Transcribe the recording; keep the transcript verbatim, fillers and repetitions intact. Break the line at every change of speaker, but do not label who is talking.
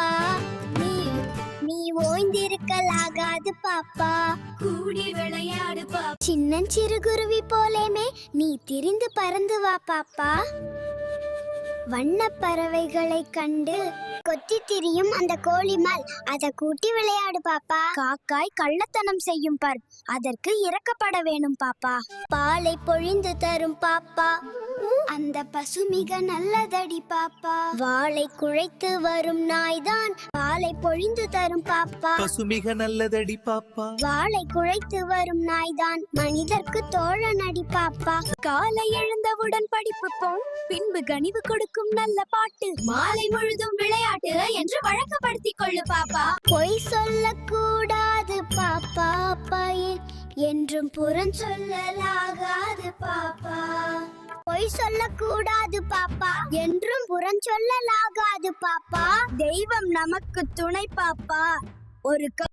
நீ நீ ஓய்ந்திருக்கலாகாது பாப்பா.
கூடி விளையாடு பாப்பா.
சின்னஞ்சிறு குருவி போலேமே நீ திரிந்து பறந்து வா பாப்பா. வண்ண பறவைகளை கண்டு கொத்தி திரியும் அந்த கோழிமால் அதை கூட்டி விளையாடு பாப்பா. காக்காய் கள்ளத்தனம் செய்யும் பார், அதற்கு இறக்கப்பட வேணும் பாப்பா. பாலை பொழிந்து தரும் பாப்பா, அந்த பசு மிக நல்லதடி பாப்பா. வாளை குழைத்து வரும் நாய்தான் பாலை பொழிந்து தரும் பாப்பா.
பசு மிக நல்லதடி பாப்பா.
வாளை குழைத்து வரும் நாய்தான் மனிதர்க்கு தோழனடி பாப்பா.
காலை எழுந்தவுடன் படிப்பு போம், பின்பு கனிவு கொடுக்கும் நல்ல பாட்டு. மாலை முழுதும் விளையாட்டு என்று வழக்கப்படுத்திக் கொள்ளு பாப்பா.
பொய் சொல்ல கூடாது பாப்பா, பையன் என்றும் புறம் சொல்லலாகாது பாப்பா. பொய் சொல்ல கூடாது பாப்பா, என்றும் புறம் சொல்லலாகாது பாப்பா.
தெய்வம் நமக்கு துணை பாப்பா. ஒரு